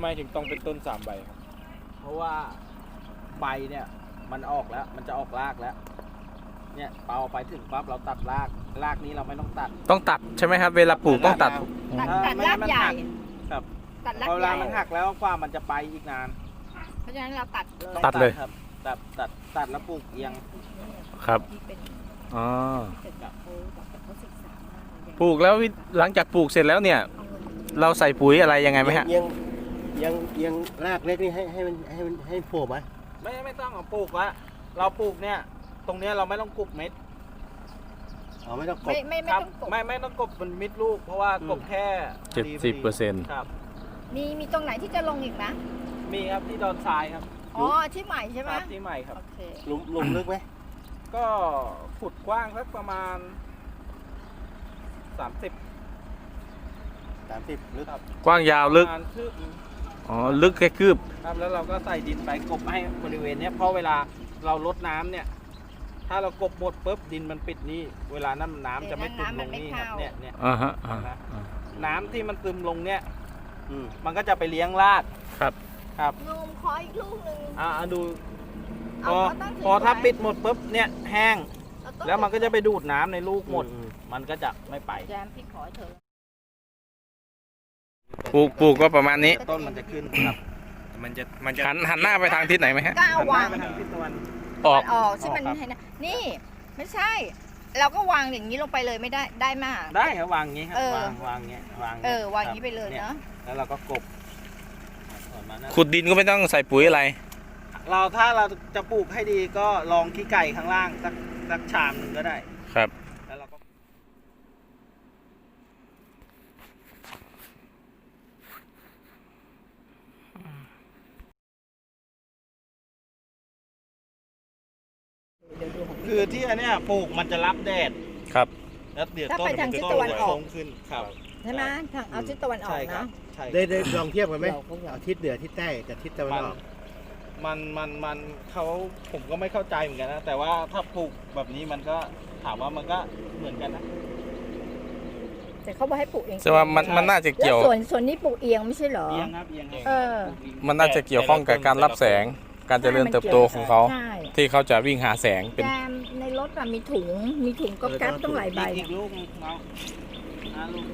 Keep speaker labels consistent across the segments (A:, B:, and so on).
A: ไมถึงต้องเป็นต้น3 ใบครับ
B: เพราะว่าใบเนี่ยมันออกแล้วมันจะออกรากแล้วเนี่ยเปาไปถึงปั๊บเราตัดรากนี้เราไม่ต้องตัด
C: ใช่ไหมครับเวลาปลูกต้องตัด
D: รากใหญ่
B: ครับ
D: ตัดราก
B: เว
D: ให
B: ลา
D: ญ่
B: มันหักแล้วกว่ามันจะไปอีกนาน
D: เพราะฉะนั้นเราตัดเลย
C: ตัดเลย
B: ครับตัดแล้วปลูกเอียง
C: ครับ
D: ที่เป็น
C: อ๋อ
D: เป็นแบบเขาศึกษามากเลย
C: ปลูกแล้วหลังจากปลูกเสร็จแล้วเนี่ย
D: เอาเงิน
C: เราใส่ปุ๋ยอะไรยังไงไหมฮะ
E: ยังรากเล็กนี่ให้โผล่ไหม
B: ไม่ต้องเอาปลูกละเราปลูกเนี่ยตรงเนี้ยเราไม่ต้องกบเม็ด
E: อ๋อไม่ต้องกบ
D: ไม่
B: ครับ
D: ต้องกด
B: ไม่ต้องกบมันมิดลูกเพราะว่ากบแค่
C: 70%
B: ครับ
D: มีตรงไหนที่จะลงอีกนะ
B: มีครับที่ดอนทรายครับ
D: อ๋อที่ใหม่ใช่ไหม
B: ครับที่ใหม่ครับ
D: โอเค
E: หลุมลึกไหม
B: ก็ขุดกว้างสักประมาณ 30
E: 30ลึก
B: ครับ
C: กว้างยาวลึก
B: ประมาณคืบ
C: อ๋อลึกแค่คืบ
B: ครับแล้วเราก็ใส่ดินไปกบให้บริเวณเนี้ยเพราะเวลาเราลดน้ำเนี่ย ถ้าเรากบหมดปุ๊บดินมันปิดนี่เวลาน้ำจะไม่ซึมลงนี่ครับเนี่ย
C: อ่าฮะอ่า
B: นะน้ำที่มันซึมลงเนี่ย
E: อืม
B: มันก็จะไปเลี้ยงราก
C: ครับ
B: ครับ
D: นมขออีกลูกหนึ่ง
B: ดูพ
D: เอา
B: อ
D: ตั้ง
B: พอถ้าปิดหมดปุ๊บเนี่ยแห้ง
D: เอาต้
B: แล้วมันก็จะไปดูดน้ำในลูกหมด
E: อื
B: มันก็จะไม่ไป
D: แจมพี่ขอเถอะ
C: ปลูกก็ประมาณนี้
B: ต้นมันจะขึ้นครับ
A: มันจะ
C: หันหน้าไปทางทิศไหนไหมฮะ
D: ก้าววาง
B: หันหน้ไปทางทิศตะวัน
C: ออก
D: ออกใช่มันให้นะนี่ไม่ใช่ เราก็วางอย่างนี้ลงไปเลยไม่ได้มาก
B: ได้ครับวางอย่างงี้ครับ
D: เออ
B: วางอย่างเงี้ยวาง
D: วางอย่างนี้ไปเลยเนาะ
B: แล้วเราก็กบถอนมานะ
C: ขุดดินก็ไม่ต้องใส่ปุ๋ยอะไร
B: ถ้าเราจะปลูกให้ดีก็ลองขี้ไก่ข้างล่างสักชามหนึ่งก็ได้
C: ครับ
B: แล้วเราก็คือที่อันเนี้ยปลูกมันจะรับแดด
C: ครับ
B: แล้วเดี๋ยว
D: ถ้า
B: ต้น
D: ไปทางทิศตะวันออก
B: โค้งขึ้นครับ
D: ใช่ไหมทางเอาทิศตะวันออก
B: ใช่ครั
D: นะ
B: บใช่
E: ได้ลองเทียบกันไหมเอาทิศเหนือทิศใต้กับทิศตะวันออก
B: มันเขาผมก็ไม่เข้าใจเหมือนกันนะแต่ว่าถ้าปลูกแบบนี้มันก็ถามว่ามันก็เหมือนกันนะ
D: แต่เขาบอกให้ปลูกเอง
C: แต่ว่ามันน่าจะ
D: แล้ว
C: เกี่ยว
D: ส่วนนี้ปลูกเอียงไม่ใช่เหรอ
B: เอียงครับเอียง
D: เออ
B: ปลูกเอียง
C: มันน่าจะเกี่ยวข้องกับการรับแสง การเจริญเติบโตของเขา
D: ใช่
C: ที่เขาจะวิ่งหาแสงเป็น
D: แจมในรถอะมีถุงก็แก๊ปต้องหลายใบ
B: อีกลูกเอาลูก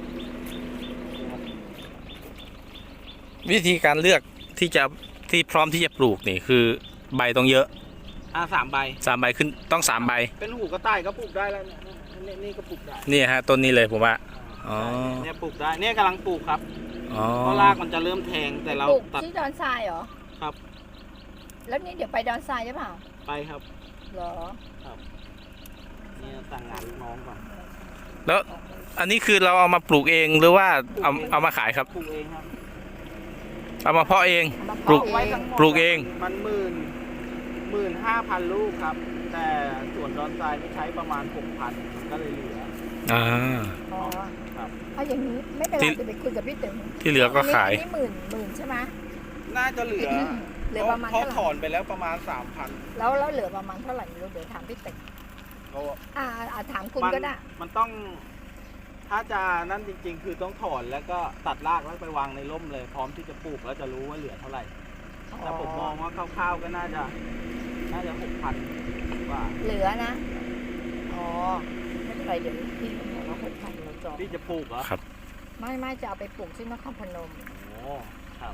C: วิธีการเลือกที่พร้อมที่จะปลูกนี่คือใบต้องเยอะ
B: 3 ใบ
C: 3 ใบขึ้นต้อง3 ใบ
B: เป็นหูกระต่ายก็ปลูกได้แล้วเนี่ยนี่ก็ปลูกได้
C: นี่ฮะต้นนี้เลยผมว่า อ๋อ
B: เนี่ยปลูกได้เนี่ยกำลังปลูกครับ
C: อ๋อ
B: เพราะรากมันจะเริ่มแทงแต่เรา
D: ปลูก
B: ตัด
D: ที่ดอนทรายเหรอ
B: ครับ
D: แล้วนี่เดี๋ยวไปดอนทรายใช่เปล่า
B: ไปครับ
D: เหรอ
B: เนี่ยสั่งงานลูกน้องก่อน
C: แล้วอันนี้คือเราเอามาปลูกเองหรือว่าเอามาขายครับ
B: ปลูกเองครับ
C: เอามาเพาะเอง
D: เอามา
C: ปลูก
D: เพาะ
B: ไว้
D: เอง
B: ทั้งหมด
C: ปลูกเอง
B: มัน15,000 ลูกครับ แต่ส่วนดอนทรายนี่ใช้ประมาณ 6,000 ก็เลยเหลือ
C: อ่า
D: อ๋อ
B: ครับ
D: เอาอย่างนี้ไม่เป็นไร
C: ที่
D: จะไปคุยกับพี่ตึง
C: ที่เหลือก็ขาย
D: อันนี้หมื่นใช่ไหม
B: น่าจะเหลือ
D: เหลือประมาณ
B: เพราะ
D: เท่าไห
B: ถ
D: ร่
B: อนไปแล้วประมาณ 3,000
D: แล้วเหลือประมาณเท่าไหร่ไม่รู้เดี๋ยวถามพี่ตึง
B: เพราะว่า
D: ถามคุณก็ได้
B: มันต้อง ถ้าจะนั่นจริงๆ คือต้องถอนแล้วก็ตัดรากแล้วไปวางในร่มเลย พร้อมที่จะปลูกแล้วจะรู้ว่าเหลือเท่าไหร่ แต่ผมมองว่าคร่าวๆก็น่าจะ 6,000 ว่า
D: เหลือนะ อ๋อ ไม่เป็นไรเดี๋ยวพี่บอกว่า6,000เราจอง
B: ที่จะปลูกเหรอ
C: ครับ
D: ไม่จะเอาไปปลูกที่นครพนม
B: โอ้ครับ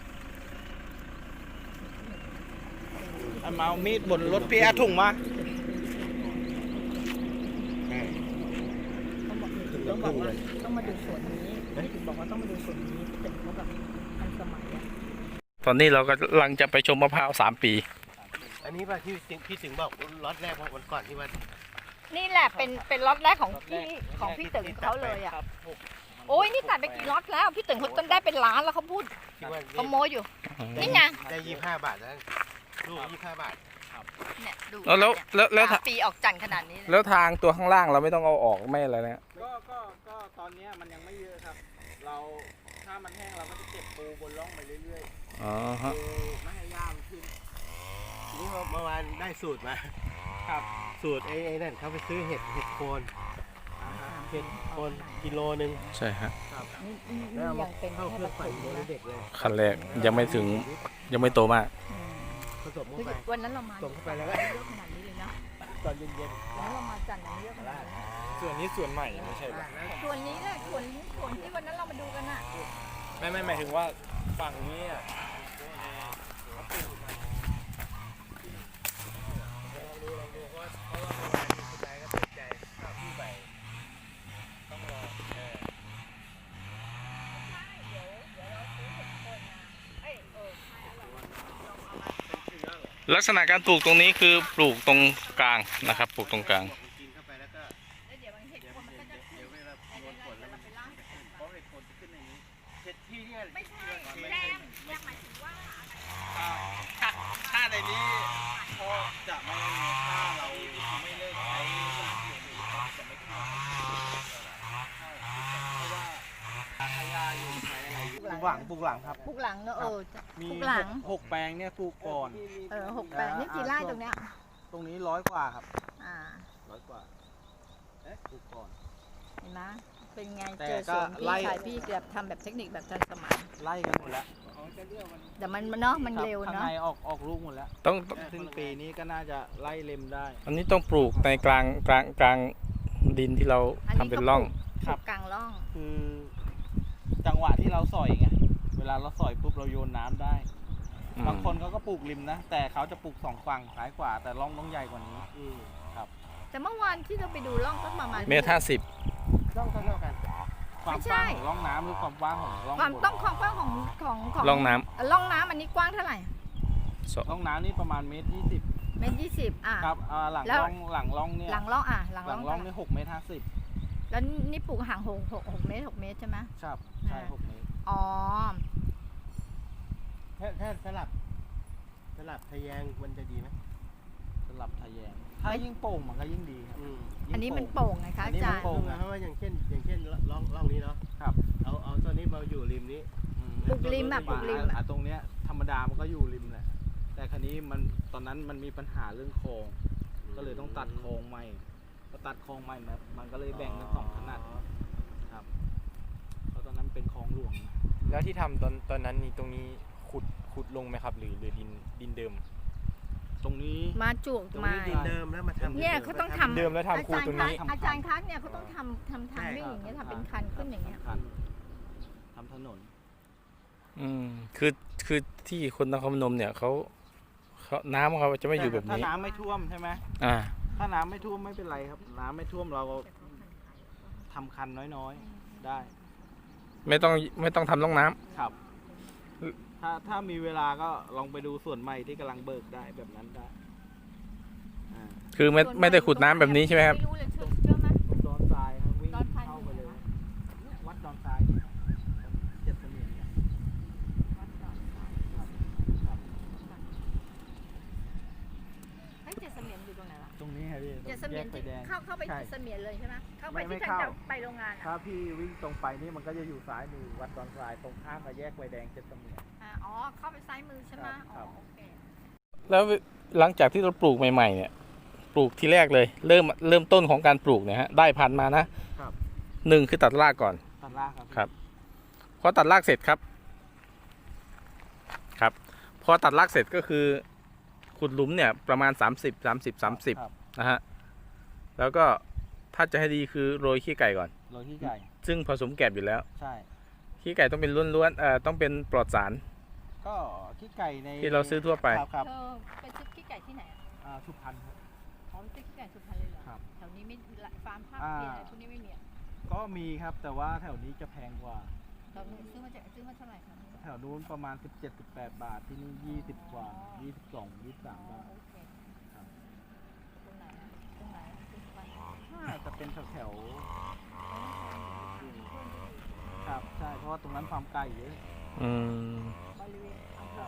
B: เอามีดบนรถพี่อาถุงมา
D: ต้องบอกว่าต้องมาดูสวนนี้ถึงบอกว่าต้องมาดูสวนนี้พี่ตึงเขาแบบทันสมัยอะ
C: ตอนนี้เราก็กำลังจะไปชมมะพร้าว3 ปี
E: อันนี้ป่ะที่พี่ถึงบอกล็อตแรกวันก่อนที่ว่า
D: นี่แหละเป็นล็อตแรกของพี่ตึงเขาเลยอ่ะ โอ้ยนี่ตัดไปกี่ล็อตแล้วพี่ตึงเขาต้นได้เป็นล้านแล้วเขาพูด
E: ที่ว่า
D: เขาโมอยู่ นี่ไง
E: ได้25 บาทแล้วลูก25 บาท
D: เนี่ยดู
C: แล้ว
D: 3 ปีออกจันทร์ขนาดนี้เลย
C: แล้วทางตัวข้างล่างเราไม่ต้องเอาออกไม่อะไรนะ
B: ก็ตอนนี้มันยังไม่เยอะครับ ถ้ามันแห้งเราก็จะเก็บปูบนร่องไปเรื่อย
C: อ๋อ
B: ๆ
C: ฮะ
B: ปูไม่ให้หญ้ามันขึ้น
E: ทีนี้เมื่อวานได้สูตรมา
B: ครับ
E: สูตรไอ้นั่นเขาไปซื้อเห็ดโคน
B: อ่าฮะ
E: เห็ดคนกิโลนึง
C: ใช่ฮะ
D: นี่
E: แล้วเอามา
D: ยังเป็น
E: เข้า
D: แค่
E: เครื่อง
D: ผ
E: ปั่น
D: สม
E: โดย
D: นะ
E: เด็กเลย
C: ขั้นแรกยังไม่ถึงยังไม่โตมาก
E: ผสมเข้า
D: คือ
E: ไป
D: วันนั้นเรามา
E: ส่งเข้าไปแล้วก็
D: เยอะขนาดนี้เลยนะ
E: ตอนเย็น
D: วันนั้นเรามาจันทร์เยอะขนาดนี้
A: ส่วนนี้ส่วนใหม่ไม่ใช่ปะ
D: ส่วนนี้แหละส่วนที่วันนั้นเรามาดูกันน่ะ
A: ไม่หมายถึงว่าฝั่งนี้อะ
C: ลักษณะการปลูกตรงนี้คือปลูกตรงกลางนะครับ ปลูกตรงกลาง
E: ๆกินเข้าไปแล้วก็
D: แล้วเดี๋ยวมันเห็ดคนมันก็จะขึ้น
E: เดี๋ยวเวลาโดนฝนแล้วมัน
D: ไปล้าง
E: เพราะเห็ดคนจะขึ้นในนี้เห็ดที่เนี่ย
D: ไม่ใช่แรงหมายถึงว่า
B: ถ้าในนี้พอจะไม่ถ้าเราไม่เลิกใช้สารเคมีก็จะไม่ขึ้นเพราะว่าพยาอยู่ใช้อะไรอยู่ปลูกหลังครับ
D: ปลูกหลังเนอะ
B: มี
D: ปลูกหลัง
B: หกแปลงเนี่ยปลูกก่อน
D: 6 แปลงนี่กี่ไร่ตรงเนี้ย
B: ตรงนี้100 กว่าครับ
D: อ่า
B: 100 กว่าปลูกก่อน
D: เห็นไหมเป็นไง
B: แต่
D: เจอ
B: ก็
D: สวนพี่
B: ไล่
D: ชายพี่แบบทำแบบเทคนิคแบบทันสมัย
B: ไล่กันหมดแล้ว
D: แต่มันเนาะมันเร็ว
B: ข้าง
D: เนาะ
B: ในออกลูกหมดแล้ว
C: ต้อง
B: ซึ่งปีนี้ก็น่าจะไล่เล็มได้
C: อันนี้ต้องปลูกในกลางดินที่เราทำเป็นร่อง
D: ปลูกกลางร่อง
B: คือจังหวะที่เราสอยไงเวลาเราสอยปุ๊บเราโยนน้ำได้ บางคนเขาก็ปลูกริมนะ แต่เขาจะปลูก2 ฝั่งซ้ายขวาแต่ร่องต้องใหญ่กว่านี้
D: แต่เมื่อวานที่เราไปดูร่องก็ประมาณ
C: เมตร50
E: ต้องเท่ากัน
B: ความ
D: ไม่ใช่
B: กว้างของร่องน้ำหรือความกว้างของร่อง
D: ความ
B: บน
D: ต้องความกว้างของ
C: ร่องน้
D: ร่องน้ำอันนี้กว้างเท่าไหร่
B: ร่องน้ำนี่ประมาณ1.20
D: เมตร20อ่ะ
B: ครับหลัง
D: แล้ว
B: ร่องเนี่ย
D: หลังร่องอ่ะหลัง
B: หลั
D: ร่อง ง
B: ร่องนี่6.50
D: แล้วนี่ปลูกห่าง6 เมตร 6 เมตรใช่ไหม
B: ครับใช่6 เมตร
D: อ๋อ
E: ถ้าสลับทะแยงมันจะดีไหม
B: สลับทะแยงถ้ายิ่งโป่งมันก็ยิ่งดีครับ
D: อันนี้มันโป่งไงคะ
B: อัน
D: อา
B: นี้
D: จา
B: มั
D: ร
B: น
D: ย์
B: โป่ง
E: เพราะว่าอย่างเช่นร่องนี้เนาะ
B: ครับ
E: เอาตัวนี้มาอยู่ริมนี้
D: ปลูกริมอ่ะปลูกริมอ่ะ
B: ตรงเนี้ยธรรมดามันก็อยู่ริมแหละแต่คราวนี้มันตอนนั้นมันมีปัญหาเรื่องคลอง ก็เลยต้องตัดคลองใหม่พอตัดคลองใหม่มันก็เลยแบ่งเป็น2 ขนาดครับเพราะตอนนั้นเป็นคลองหลวง
A: แล้วที่ทำตอนนั้นนี่ตรงนี้ขุดลงไหมครับ หรือดินเดิม
B: ตรงนี้
D: มาจูก
E: ตรง
D: มา
E: นี้ดินเดิมแล้วมาทำ
D: เนี่ยเขาต้องทำ
A: เดิมแล้วทำคูตรงนี้
D: อาจารย์คะเนี่ยเขาต้องทำทางวิ่งอย่างเงี้ยทำเป็นคันขึ้นอย่างเงี้ย
B: ทำถนน
C: คือที่คนนครพนมเนี่ยเขาน้ำเขาจะไม่อยู่แบบ
B: ถ้า
C: นี้
B: น้ำไม่ท่วมใช่ไหม
C: อ่า
B: ถ้าน้ำไม่ท่วมไม่เป็นไรครับ น้ำไม่ท่วมเราทำคันน้อยๆได้
C: ไม่ต้องทำร่องน้ำ
B: ครับ ถ้ามีเวลาก็ลองไปดูส่วนใหม่ที่กำลังเบิกได้แบบนั้นได้อ่า
C: คือไม่ได้ขุดน้ำแบบนี้ใช่ไหมครับ
D: ไม่รู้เลยเชื่อไหม
B: ตรงดอนทรายครับวิ่ง
D: ดอนทราย
B: เข้าไปเลย
D: อยู่ไหนวะ
B: เนี่ยวัดดอนทรายเนี่ยเจ็ดเสมียนเนี่ยครับ
D: เฮ้ยเจ็ดเสมียนอยู่ตรงไหนวะ
B: ตรงนี้ครับพี่
D: เจ็ดเสมียน
B: แยกไฟ
D: ที่
B: แดง
D: เข้าไป
B: ใช่
D: เจ็ดเสมียนเลยใช่ไหมเข้าไป
B: ไม่
D: ที่
B: ไม่
D: ทาง
B: เข้า
D: จะไปโรงงานอ่ะ
B: ถ้าพี่วิ่งตรงไปนี่มันก็จะอยู่ซ้ายมือวัดดอนทรายตรงข้ามกับแยกไฟแดงเจ็ดเสมียน
D: อ๋อเข้าไปซ้ายมือใช่ไหม
B: ครั
D: อ๋อบ โอเค
C: แล้วหลังจากที่เราปลูกใหม่ๆเนี่ย ปลูกที่แรกเลย เริ่มต้นของการปลูกเนี่ยฮะได้พันธุ์มานะครับ 1คือตัดรากก่อน
B: ตัดรากครับ
C: ครับ พอตัดรากเสร็จครับพอตัดรากเสร็จก็คือขุดหลุมเนี่ยประมาณ30นะฮะแล้วก็ถ้าจะให้ดีคือโรยขี้ไก่ก่อน
B: โรยขี้ไก่
C: ซึ่งผสมแกบอยู่แล้ว
B: ใช่
C: ขี้ไก่ต้องเป็นล้วนๆต้องเป็นปลอดสาร
B: ก็ขี้ไก่ใน
C: ที่เราซื้อทั่วไป
B: ครับ
D: เธอไปซื้อขี้ไก่ที่ไหนอะ
B: สุพรรณครับ
D: อ๋อไปซื้อขี้ไก่สุพรรณเลยเหรอ
B: ครับ
D: แถวนี้ไม่ฟาร์มภาค
B: อ่า
D: เพียอะไรพวกนี้ไม่มีอะ
B: ก็มีครับแต่ว่าแถวนี้จะแพงกว่า
D: เราซื้อมาเท่าไหร่ครับ
B: แถวนู้นประมาณ 17-18 บาทที่นี่20 กว่า 22-23 บาท
D: โอเค
B: ครับ
D: ตรงไหนอะตรงไหนอะสุพรรณ
B: น่าจะเป็นแถวๆครับใช่เพราะว่าตรงนั้นฟาร์มไก่เยอะ
C: อืม
D: บริเวณอำเภอ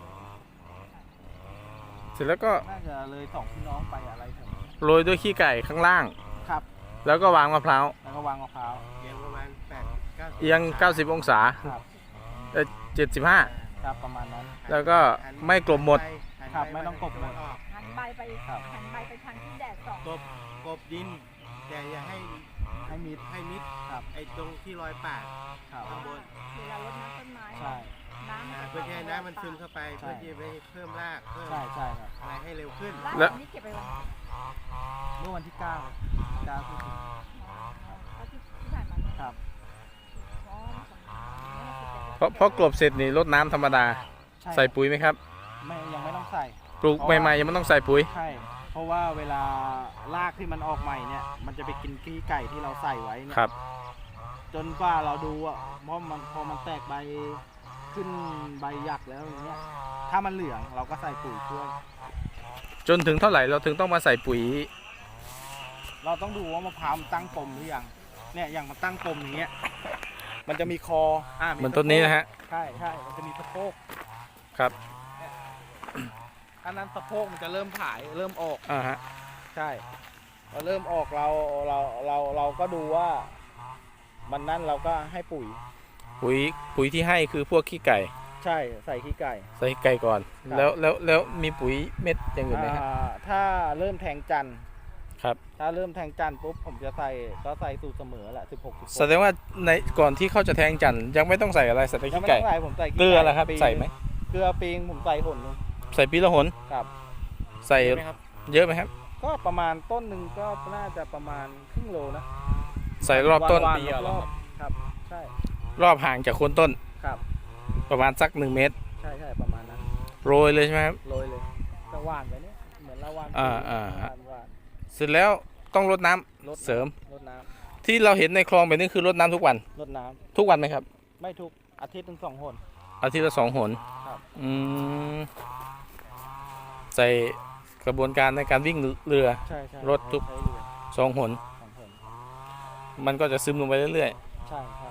C: เสร็จแล้วก็
B: น่าจะเลย2พี่น้องไปอะไรแถวนี้
C: โรยด้วยขี้ไก่ข้างล่าง
B: ครับ
C: แล้วก็วางมะพร้าว
B: แล้วก็วางมะพร้าว
E: เอียงประมาณ8-9
C: เอียง90 องศา
B: ครับ
C: 75
B: ครับประมาณนั้น
C: แล้วก็ไม่กลบหมด
B: ครับไม่ต้องกลบหมด
D: หันใบไป
B: ครับ
D: หันใบไปทางที่แดดส่อง
E: กบดินแต่อย่าให้
B: ให้มิด
E: ให้มิด
B: ครับ
E: ไอ้ตรงที่รอยปาก
B: ครับ
E: ข้างบน
D: เวลารดน้ำต้นไม้
B: ใช่
D: น้ำมันจะ
E: เพื่อที่ให้น้ำมันซึมเข้าไป
B: ใช่
E: เพื่อที่จะไปเพิ่มรากเพิ่ม
B: ใช่ใช่ครับ
E: อะไรให้เร็วขึ้น
D: ราก
C: แล้ว
D: อันนี้เก็บไปวัน
B: เมื่อวันที่9พฤศจิกายน
D: เอาที่ผ่านมาเนี่ย
B: ครับ
D: อ๋อเนี่ยคือเป็น
C: เพราะกลบเสร็จนี่รดน้ำธรรมดา
B: ใช่
C: ใส่ปุ๋ยไหมครับ
B: ยังไม่ต้องใส่
C: ปลูกใหม่ๆยังไม่ต้องใส่ปุ๋ย
B: ใช่ เพราะว่าเวลารากที่มันออกใหม่เนี่ย มันจะไปกินขี้ไก่ที่เราใส่ไว้เนี่ย
C: ครับ
B: จนกว่าเราดูอ่ะเพราะมันพอมันแตกใบขึ้นใบหยักแล้วอย่างเงี้ย ถ้ามันเหลืองเราก็ใส่ปุ๋ยช่วย
C: จนถึงเท่าไหร่เราถึงต้องมาใส่ปุ๋ย
B: เราต้องดูว่ามะพร้าวมันตั้งปมหรือยัง เนี่ยอย่างมันตั้งปมอย่างเงี้ย มันจะมีคอมี
C: เหมือนต้นนี้นะฮะ
B: ใช่ใช่มันจะมีสะโพก
C: ครับ
B: อันนั้นสะโพกมันจะเริ่มผายเริ่มออก
C: ฮะ
B: ใช่พอเริ่มออกเราก็ดูว่า มันนั่นเราก็ให้ปุ๋ย
C: ปุ๋ยที่ให้คือพวกขี้ไก่
B: ใช่ใส่ขี้ไก่
C: ใส่ไก่ก่อน
B: ครับ
C: แล้วมีปุ๋ยเม็ดอย่างอื่นไหมฮะ
B: ถ้าเริ่มแทงจันทร์
C: ครับ
B: ถ้าเริ่มแทงจันทร์ปุ๊บผมจะใส่สูตรเสมอแหละ16
C: แสดงว่าในก่อนที่เขาจะแทงจันทร์ยังไม่ต้องใส่อะไรใส่แต่
B: ยัง
C: ขี้
B: ไม่
C: ไก่
B: ต้องใส่ผมใส่ขี้
C: เกลือ
B: ไก่
C: ล่ะครับ
B: ปี
C: ใส่ไหม
B: เกลือปีงผมใส่หนนึง
C: ใส่ปีละหน
B: ครับ
C: ใส่เยอะไหมครับ
B: ก็ประมาณต้นหนึ่งก็น่าจะประมาณครึ่งโลนะ
C: ใส่รอบต้น
B: วันๆรอบครับใช่
C: รอบห่างจากโคนต้น
B: ครับ
C: ประมาณสัก1 เมตร
B: ใช่ใช่ประมาณนั้น
C: โรยเลยใช่ไหมครับ
B: โรยเลยก็หว่านไปเนี่ยเหมือนเราหว่าน
C: อ่า
B: หว่าน
C: เสร็จแล้วต้องรดน้ำ
B: รดน้ำ
C: เสริม
B: รดน้
C: ที่เราเห็นในคลองแบบนี้คือรดน้ำทุกวัน
B: ำรดน้
C: ทุกวันไหมครับ
B: ำไม่ทุกอาทิตย์ถึง2 หน
C: อาทิตย์ละ2 หน
B: ครับ
C: อืมใส่กระบวนการในการวิ่งเรือ
B: ใช่ใช่
C: รดทุก
B: ใช้เรือ
C: 2 หน
B: 2 หน
C: มันก็จะซึมลงไปเรื่อย
B: ใช่ใช่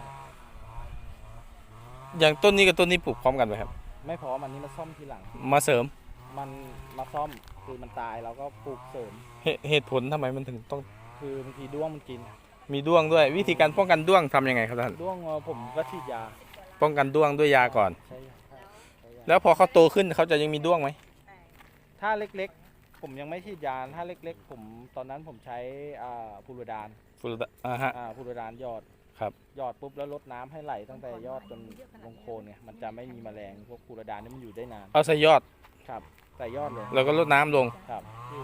C: ๆ อย่างต้นนี้กับต้นนี้ปลูกพร้อมกันไหมครับ
B: ไม่พอมันนี้มาซ่อมทีหลัง
C: มาเสริม
B: มันมาซ่อมคือมันตายเราก็ปลูกเสริม
C: เหตุผลทำไมมันถึงต้อง
B: คือบางทีด้วงมันกิน
C: มีด้วงด้วย วิธีการป้องกันด้วงทำยังไงครับท่าน
B: ด้วงผมก็ฉีดยา
C: ป้องกันด้วงด้วยยาก่อน
B: ใช่ใช่ใช้ยา
C: แล้วพอเขาโตขึ้นเขาจะยังมีด้วงไหม
B: ถ้าเล็กๆ ผมยังไม่ฉีดยาถ้าเล็กๆ ผมตอนนั้นผมใช้พูโรดาน
C: ฟูรดฮะ
B: พูโรดานหยอด
C: ครับ
B: หยอดปุ๊บแล้วลดน้ำให้ไหลตั้งแต่ยอดจนลงโคนเนี่ยมันจะไม่มีแมลงพวกพูโรดานนี่มันอยู่ได้นาน
C: เอาใส่ยอด
B: ครับใส่ยอดเลย
C: แล้วก็รดน้ำลง
B: ครับ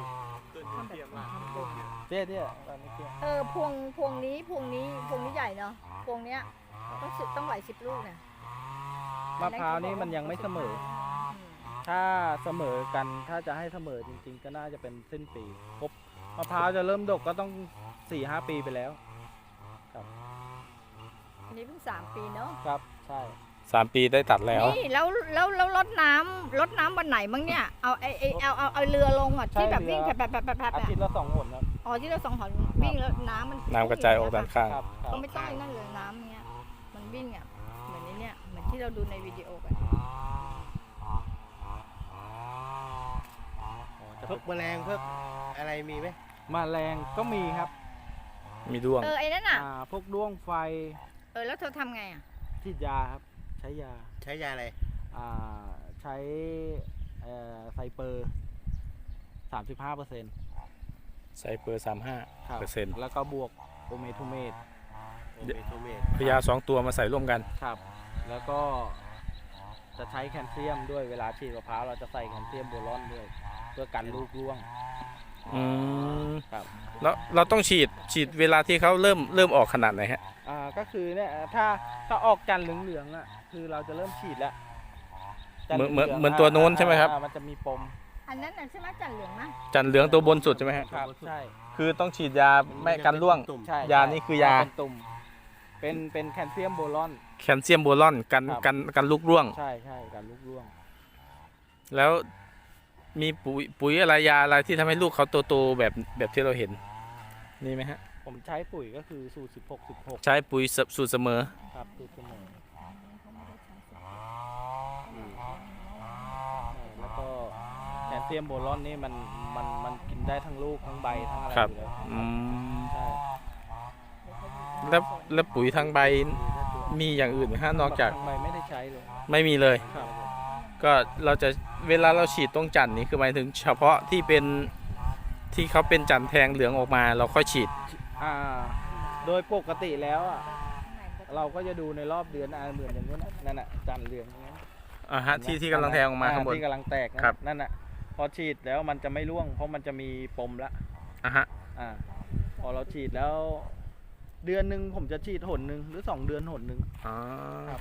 B: เตี้ยตอนนี้เตี้ย
D: พวงนี้ใหญ่เนาะพวงเนี้ยต้องหลาย10 ลูกเนี่ย
B: มะพร้าวนี่มันยังไม่เสมอ ถ้าเสมอกันถ้าจะให้เสมอจริงๆ ก็น่าจะเป็นสิ้นปีครบมะพร้าวจะเริ่มดกก็ต้อง 4-5 ปีไปแล้ว
D: อันนี้เพิ่ง3 ปีเนาะ
B: ครับใช่
C: 3 ปีได้ตัดแล้ว
D: นี่แล้วรดน้ำวันไหนมั้งเนี่ยเอาเรือลงอ่ะที่แบบวิ่งแบบ
B: อาทิตย์ละ2 หนครับ
D: อ๋อที่เรา2 หนวิ่งแล้วน้ำมัน
C: น้ำกระจายออกด้านข้าง
B: ครับ
D: ก็ไม่ต้องไอ้นั่นเลยน้ำเนี้ยมันวิ่งอ่ะเหมือนนี้เนี่ยเหมือนที่เราดูในวิดีโอกัน
E: พวกแมลงพวกอะไรมีไหม
B: แมลงก็มีครับ
C: มีด้วง
D: ไอ้นั่นอ่ะ
B: พวกด้วงไฟ
D: แล้วเธอทำไงอ่ะ
B: ฉีดยาครับใช้ยา
E: ใช้ยาอะไร
B: ใช้ไซเปอร์ 35%
C: ใส่เปอร์
B: ครับ
C: 35%
B: แล้วก็บวกโอเมทูเมต
E: โอเมโทเมต
C: พยา2 ตัวมาใส่ร่วมกัน
B: ครับ แล้วก็จะใช้แคลเซียมด้วยเวลาฉีดมะพร้าวเราจะใส่แคลเซียมโบรอนด้วยเพื่อกันลูกร่วง
C: อืม
B: ครับ
C: แล้วเราต้องฉีดเวลาที่เขาเริ่มออกขนาดไหนฮะ
B: ก็คือเนี่ยถ้าออกจันทร์เหลืองๆอ่ะคือเราจะเริ่มฉีดแล้วจันทร์
C: เหมือน
B: ลืงๆ
C: เหมือนตัวโน้นใช่ไหมครับ
B: มันจะมีปม
D: อันนั้นน่ะใช่ไหมจันเหลืองนะ
C: จันเหลืองตัวบนสุดใช่ไหมฮะ
B: ครับใช่
C: คือต้องฉีดยาไม่กันร่วง
E: ตุ่ม
B: ใช่
C: ยานี่คือยา
B: เป็นตุ่มเป็นแคลเซียมโบรอน
C: แคลเซียมโบรอนกัน
B: ครับ
C: กันลูกร่วง
B: ใช่การลูกร่วง
C: แล้วมีปุ๋ยอะไรยาอะไรที่ทำให้ลูกเขาโตๆแบบที่เราเห็นนี่ไหมฮะ
B: ผมใช้ปุ๋ยก็คือสูตร16
C: ใช้ปุ๋ยสูตรเสมอ
B: 16ครับสูตรเสมอแล้วก็แคลเซียมโบรอนนี่มันกินได้ทั้งลูกทั้งใบทั้งอะไร
C: ครับ
B: อยู่แล้ว
C: อืม
B: ใช่
C: แล้วปุ๋ยทางใบมีอย่างอื่นไหมฮะนอกจาก
B: ทางใบไม่ได้ใช้เลย
C: ไม่มีเลย
B: ครับ
C: ก็เราจะเวลาเราฉีดตรงจันทร์นี่คือหมายถึงเฉพาะที่เป็นที่เขาเป็นจันทร์แทงเหลืองออกมาเราค่อยฉีด
B: โดยปกติแล้วอะเราก็จะดูในรอบเดือนเหมือนอย่างนู้นน่ะนั่นน่ะจันทร์เหลืองอย่างนั้น
C: ฮะที่กำลังแทงออกมาข้างบน
B: ที่กำลังแตกนะครับ นั่นน่ะพอฉีดแล้วมันจะไม่ร่วง เพราะมันจะมีปมละ
C: ฮะ
B: พอเราฉีดแล้ว เดือนหนึ่งผมจะฉีดหนหนึ่งหรือ2 เดือนหนหนึ่ง
C: อ๋อ
B: ครับ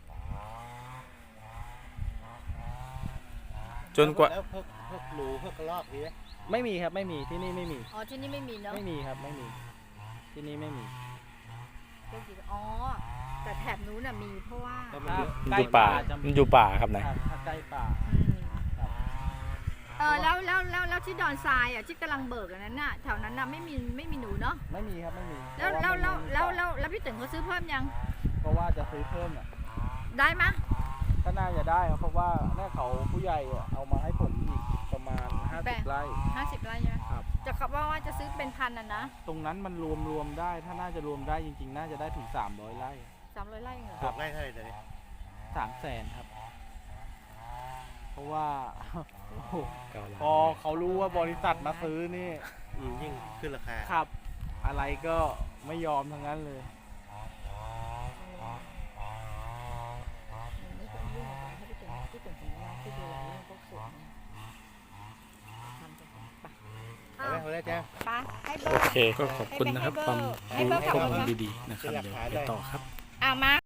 C: จนกว่า
E: แล้วพวกหนูพวกกระรอกมีไหม
B: ไม่มีครับไม่มีที่นี่ไม่มี
D: อ๋อที่นี่ไม่มีเนาะ
B: ไม่มีครับไม่มี ที่นี่ไม่มี
D: อ๋อแต่แถบนู้นน่ะมีเพราะว่า
E: ก็มันเยอะ
C: มันอยู่ป่า
B: จะ
C: มันอยู่ป่าครับนาย
B: ถ้าใกล้ป่า
D: อืมแล้วที่ดอนทรายอ่ะที่กำลังเบิกอันนั้นน่ะแถวนั้นน่ะไม่มีหนูเนาะ
B: ไม่มีครับไม่มี
D: แล้ว
B: เพราะามันมี
D: แล้วพี่ตึงเขาซื้อเพิ่มยัง
B: เพราะว่าจะซื้อเพิ่มน่ะ
D: ได้มะ
B: ก็น่าจะได้ครับเพราะว่าเนี่ยเขาผู้ใหญ่อะเอามาให้ผมอีกประมาณ50 ไร่
D: 50 ไร่ใช่ไหม
B: ครับ
D: จะขับว่าจะซื้อเป็นพันนะ
B: ตรงนั้นมันรวมได้ถ้าน่าจะรวมได้จริงๆ น่าจะได้ถึง300 ไร่
D: 300 ไร่เหรอ
E: บอกได้เท่าไหร่ตอนนี้
B: 300,000ครับ เพราะว่า โอ้โห
C: 9
B: พอเขารู้ว่าบริษัทมาซื้อนี่
E: ยิ่งขึ้นราคา
B: ครับ อะไรก็ไม่ยอมทั้งนั้นเลย
D: ไม่ต้องยุ่งกับให้พี่ตึงของเราที่ดูแลเรื่องพวกสวนทำไป
E: เอาไหมเอาได้จ้า
D: ไปให้เบอ
C: โอ
D: ร์
C: เคก็ขอบคุณนะครับ ความ
D: ให้เบอร์
C: ข้อ
D: ขับรถ
C: มูล
D: นะ
C: ดีๆนะครับ เดี๋ยวไปต่อครับ
D: มา